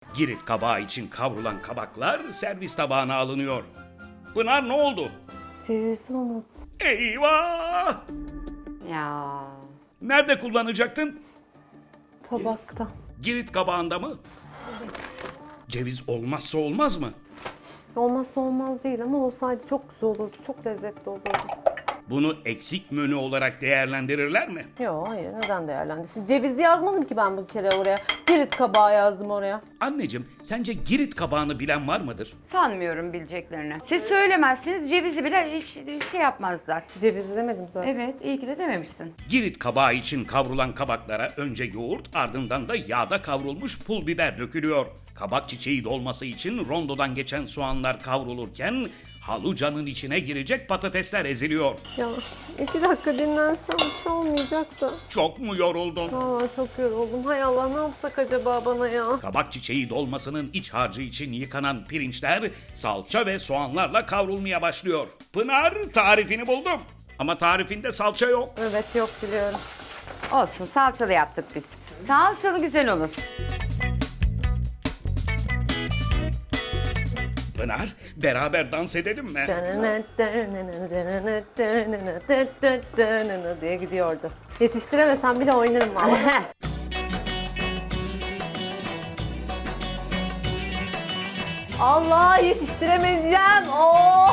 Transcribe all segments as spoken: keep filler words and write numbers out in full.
Girit kabağı için kavrulan kabaklar servis tabağına alınıyor. Pınar ne oldu? Cevizi unut. Eyvah! Ya. Nerede kullanacaktın? Tabakta. Girit kabağında mı? Ceviz olmazsa olmaz mı? Olmazsa olmaz değil ama olsaydı çok güzel olurdu. Çok lezzetli olurdu. Bunu eksik menü olarak değerlendirirler mi? Yok hayır, neden değerlendirsin? Cevizi yazmadım ki ben bu kere oraya. Girit kabağı yazdım oraya. Anneciğim, sence Girit kabağını bilen var mıdır? Sanmıyorum bileceklerini. Siz söylemezsiniz, cevizi bile hiç şey yapmazlar. Cevizi demedim zaten. Evet, iyi ki de dememişsin. Girit kabağı için kavrulan kabaklara önce yoğurt, ardından da yağda kavrulmuş pul biber dökülüyor. Kabak çiçeği dolması için rondodan geçen soğanlar kavrulurken halucanın içine girecek patatesler eziliyor. Ya iki dakika dinlensem bir şey olmayacaktı. Çok mu yoruldun? Vallahi çok yoruldum. Hay Allah, ne yapsak acaba bana ya? Kabak çiçeği dolmasının iç harcı için yıkanan pirinçler salça ve soğanlarla kavrulmaya başlıyor. Pınar, tarifini buldum. Ama tarifinde salça yok. Evet, yok biliyorum. Olsun, salçalı yaptık biz. Salçalı güzel olur. Pınar, beraber dans edelim mi? diye gidiyordu. Yetiştiremesem bile oynarım vallahi. Allah, yetiştiremeyeceğim. Oh!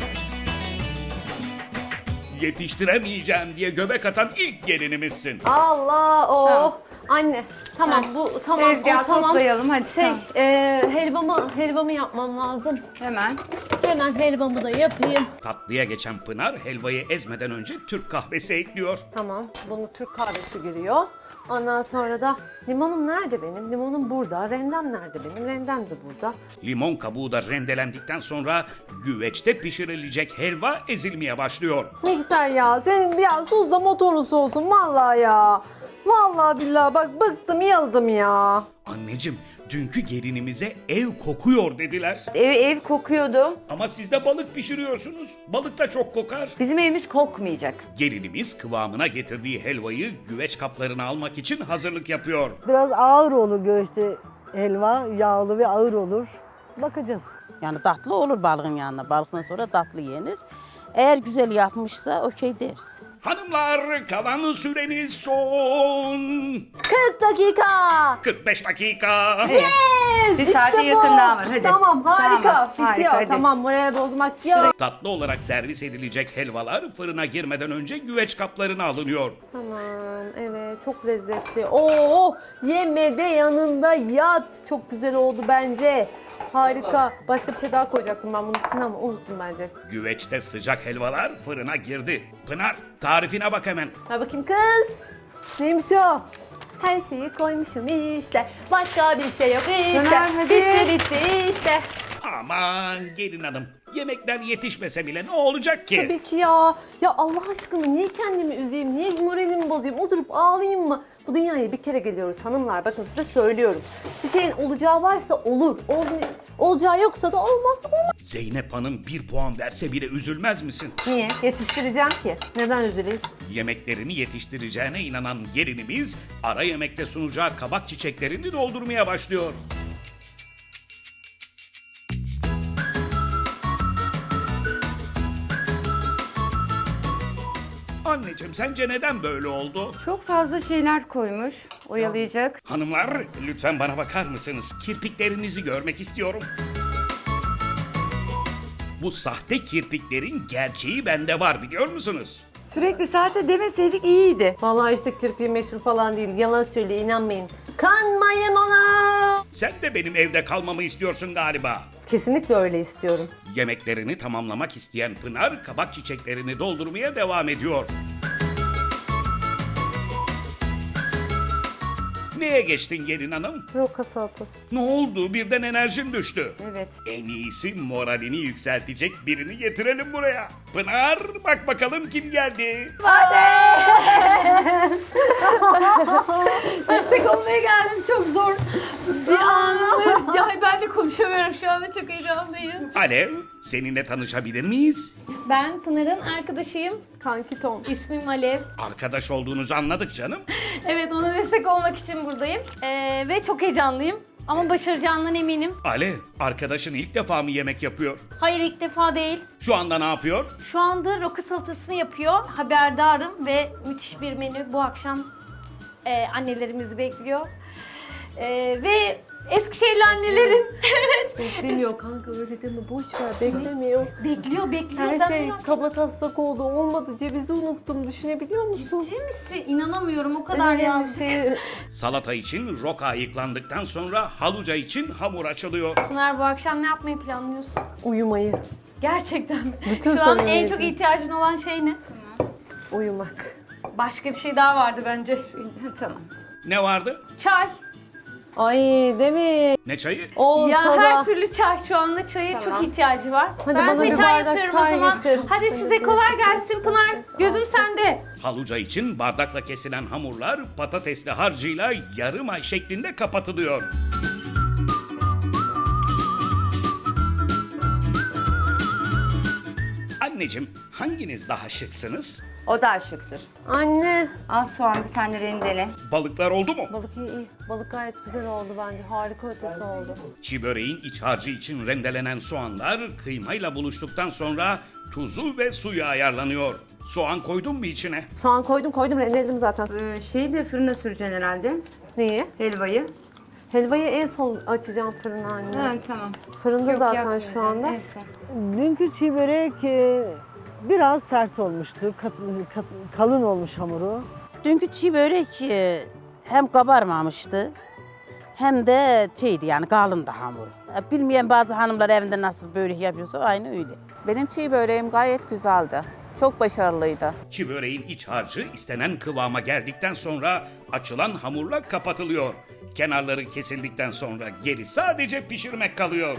Yetiştiremeyeceğim diye göbek atan ilk gelinimizsin. Allah, oh! Tamam. Anne, tamam bu tamam. Tezgahı o, tamam. toplayalım, hadi, Şey, tamam. e, helvamı helvamı yapmam lazım. Hemen. Hemen helvamı da yapayım. Tatlıya geçen Pınar helvayı ezmeden önce Türk kahvesi ekliyor. Tamam, bunu Türk kahvesi giriyor. Ondan sonra da limonum nerede benim? Limonum burada. Rendem nerede benim? Rendem de burada. Limon kabuğu da rendelendikten sonra güveçte pişirilecek helva ezilmeye başlıyor. Mikser ya, senin biraz tuzla motorlusu olsun vallahi ya. Vallahi billahi bak bıktım, yıldım ya. Anneciğim, dünkü gelinimize ev kokuyor dediler. Ev, ev kokuyordu. Ama siz de balık pişiriyorsunuz. Balık da çok kokar. Bizim evimiz kokmayacak. Gelinimiz kıvamına getirdiği helvayı güveç kaplarına almak için hazırlık yapıyor. Biraz ağır olur göğüste helva, yağlı ve ağır olur. Bakacağız. Yani tatlı olur balığın yanına. Balıktan sonra tatlı yenir. Eğer güzel yapmışsa okey deriz. Hanımlar, kalan süreniz son kırk dakika. kırk beş dakika. Yes, Bir saate işte yakın bu. daha var, hadi. Tamam, harika. Tamam, Bitiyor. harika, hadi. Tamam, moral bozmak yok. Tatlı olarak servis edilecek helvalar fırına girmeden önce güveç kaplarına alınıyor. Tamam, evet, çok lezzetli. Oo, yeme de yanında yat. Çok güzel oldu bence. Harika. Başka bir şey daha koyacaktım ben bunun içine ama unuttum bence. Güveçte sıcak helvalar fırına girdi. Pınar, tarifine bak hemen. Ver bakayım kız. Neymiş o? Her şeyi koymuşum işte. Başka bir şey yok işte. Pınar, hadi. Bitti bitti işte. Aman gelin hanım, yemekler yetişmese bile ne olacak ki? Tabii ki ya. Ya Allah aşkına niye kendimi üzeyim? Niye moralimi bozayım? Oturup ağlayayım mı? Bu dünyaya bir kere geliyoruz hanımlar. Bakın size söylüyorum. Bir şeyin olacağı varsa olur. Olmay- olacağı yoksa da olmaz. Olmaz. Zeynep Hanım bir puan verse bile üzülmez misin? Niye? Yetiştireceğim ki. Neden üzüleyim? Yemeklerini yetiştireceğine inanan gelinimiz ara yemekte sunacağı kabak çiçeklerini doldurmaya başlıyor. Anneciğim, sence neden böyle oldu? Çok fazla şeyler koymuş, oyalayacak. Hanımlar, lütfen bana bakar mısınız? Kirpiklerinizi görmek istiyorum. Bu sahte kirpiklerin gerçeği bende var, biliyor musunuz? Sürekli saate demeseydik iyiydi. Vallahi işte kirpiği meşhur falan değil. Yalan söyle, inanmayın. Kanmayın ona. Sen de benim evde kalmamı istiyorsun galiba. Kesinlikle öyle istiyorum. Yemeklerini tamamlamak isteyen Pınar kabak çiçeklerini doldurmaya devam ediyor. Neye geçtin gelin hanım? Roka salatası. Ne oldu? Birden enerjin düştü. Evet. En iyisi moralini yükseltecek birini getirelim buraya. Pınar, bak bakalım kim geldi? Destek olmaya geldim, çok zor bir anımız. Ya ben de konuşamıyorum şu anda, çok heyecanlıyım. Alev, seninle tanışabilir miyiz? Ben Pınar'ın arkadaşıyım. Kanki Tom. İsmim Alev. Arkadaş olduğunuzu anladık canım. Evet, ona destek olmak için buradayım. Ee, ve çok heyecanlıyım. Ama başaracağından eminim. Ale, arkadaşın ilk defa mı yemek yapıyor? Hayır, ilk defa değil. Şu anda ne yapıyor? Şu anda roka salatasını yapıyor. Haberdarım ve müthiş bir menü. Bu akşam e, annelerimizi bekliyor. E, ve Eskişehirli annelerin evet Beklemiyor kanka, öyle deme, boş ver, beklemiyor. bekliyor bekliyor. Her Sen şey bunu- kaba taslak oldu, olmadı, cevizi unuttum, düşünebiliyor musun? Ciddi misin? İnanamıyorum, o kadar Öyle yazdık. bir şey. Salata için roka ayıklandıktan sonra haluca için hamur açılıyor. Pınar, bu akşam ne yapmayı planlıyorsun? Uyumayı, Gerçekten mi? Bütün Şu an en samimiyetle. çok ihtiyacın olan şey ne? uyumak. Başka bir şey daha vardı bence. Tamam. Ne vardı? Çay. Ay değil mi? Ne çayı? Olsa Ya da. her türlü çay, şu anda çaya Tamam. çok ihtiyacı var. Hadi ben bana size bir çay bardak yapıyorum çay o zaman. getir. Hadi Hadi size getir. kolay gelsin Pınar. Gözüm sende. Haluca için bardakla kesilen hamurlar patatesli harcıyla yarım ay şeklinde kapatılıyor. Anneciğim, hanginiz daha şıksınız? O da şıktır. Anne. Al soğan bir tane rendele. Balıklar oldu mu? Balık iyi iyi. Balık gayet güzel oldu bence. Harika ötesi oldu. Çiğ böreğin iç harcı için rendelenen soğanlar kıymayla buluştuktan sonra tuzu ve suyu ayarlanıyor. Soğan koydun mu içine? Soğan koydum koydum, rendeledim zaten. Ee, şeyi de fırına süreceksin herhalde. Neyi? Helvayı. Helvayı en son açacağım fırına anne. Ha, tamam. Fırında Yok, zaten yapmıyorsun. şu anda. En son. Dünkü çiğ börek e, biraz sert olmuştu. Kat- kat- kalın olmuş hamuru. Dünkü çiğ börek e, hem kabarmamıştı hem de şeydi yani kalındı hamur. E, Bilmeyen bazı hanımlar evinde nasıl börek yapıyorsa aynı öyle. Benim çiğ böreğim gayet güzeldi. Çok başarılıydı. Çiğ böreğin iç harcı istenen kıvama geldikten sonra açılan hamurla kapatılıyor. Kenarları kesildikten sonra geri sadece pişirmek kalıyor.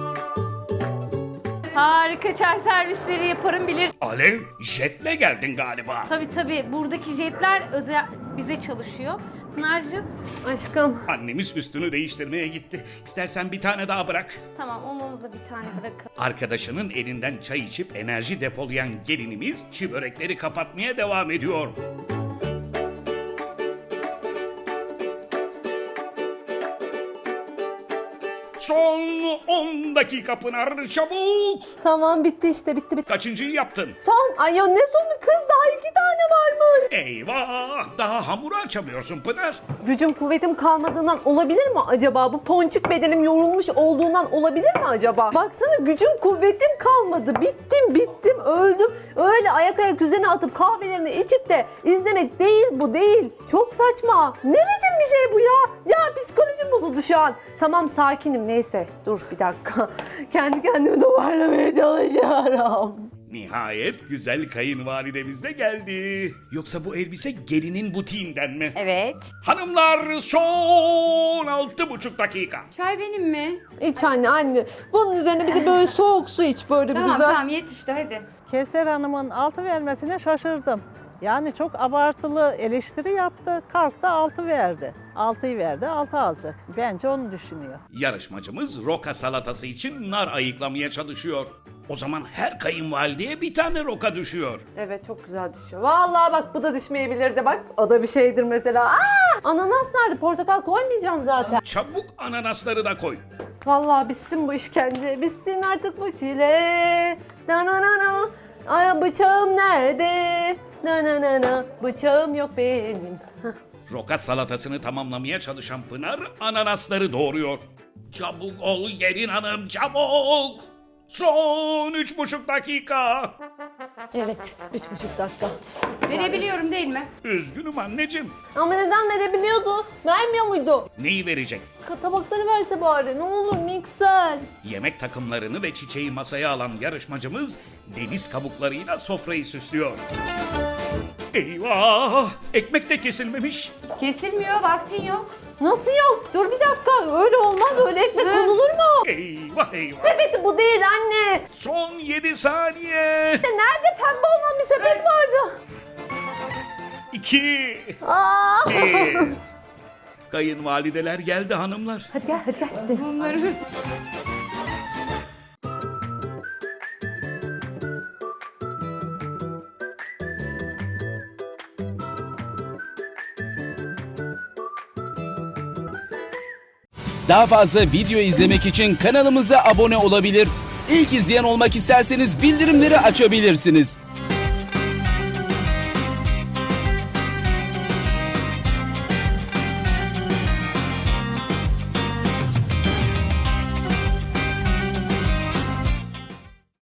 Harika çay servisleri yaparım, bilir. Alev, jetle geldin galiba. Tabii tabii, buradaki jetler özel bize çalışıyor. Pınar'cığım, Aşkım. Annemiz üstünü değiştirmeye gitti. İstersen bir tane daha bırak. tamam, onu da bir tane bırakalım. Arkadaşının elinden çay içip enerji depolayan gelinimiz çiğ börekleri kapatmaya devam ediyor. Son on dakika Pınar, çabuk. Tamam, bitti işte, bitti bitti. Kaçıncıyı yaptın? Son, ay ya ne sonu kız, daha iki tane varmış. Eyvah, daha hamuru açamıyorsun Pınar. Gücüm kuvvetim kalmadığından olabilir mi acaba? Bu ponçik bedenim yorulmuş olduğundan olabilir mi acaba? Baksana, gücüm kuvvetim kalmadı. Bittim bittim öldüm. Öyle ayak ayak üzerine atıp kahvelerini içip de izlemek değil, bu değil. Çok saçma. Ne biçim bir şey bu ya? Ya psikolojim bozuldu şu an. Tamam, sakinim, neyse. Dur bir dakika. Kendi kendimi toparlamaya çalışıyorum. Nihayet güzel kayınvalidemiz de geldi. Yoksa bu elbise gelinin butiğinden mi? Evet. Hanımlar, son altı buçuk dakika. Çay benim mi? İç anne anne. Bunun üzerine bir de böyle soğuk su iç, böyle bir Tamam güzel. tamam, yet işte hadi. Kevser Hanım'ın altı vermesine şaşırdım. Yani çok abartılı eleştiri yaptı, kalktı altı verdi. altıyı verdi, altı alacak. Bence onu düşünüyor. Yarışmacımız roka salatası için nar ayıklamaya çalışıyor. O zaman her kayınvalideye bir tane roka düşüyor. Evet, çok güzel düşüyor. Vallahi bak, bu da düşmeyebilirdi bak. O da bir şeydir mesela. Aa! Ananas nerede? Portakal koymayacağım zaten. Çabuk ananasları da koy. Vallahi bitsin bu işkence. Bitsin artık bu çile. Na na na na. Ay bıçağım nerede? Na na na na. Bıçağım yok benim. Hah. Roka salatasını tamamlamaya çalışan Pınar ananasları doğuruyor. Çabuk ol gelin hanım, çabuk. Son üç buçuk dakika. Evet, üç buçuk dakika. Verebiliyorum değil mi? Üzgünüm anneciğim. Ama neden verebiliyordu? Vermiyor muydu? Neyi verecek? Tabakları verse bari. Ne olur mikser. Yemek takımlarını ve çiçeği masaya alan yarışmacımız deniz kabuklarıyla sofrayı süslüyor. Eyvah! Ekmek de kesilmemiş. Kesilmiyor, vaktin yok. Nasıl yok? Dur bir dakika. Öyle olmaz. Öyle ekmek konulur mu? Eyvah eyvah! Sepeti bu değil anne. Son yedi saniye. Nerede pembe olan bir sepet vardı? İki. Aa! Bir. Kayınvalideler geldi hanımlar. Hadi gel, hadi gel. Gidelim. Bunları Daha fazla video izlemek için kanalımıza abone olabilir. İlk izleyen olmak isterseniz bildirimleri açabilirsiniz.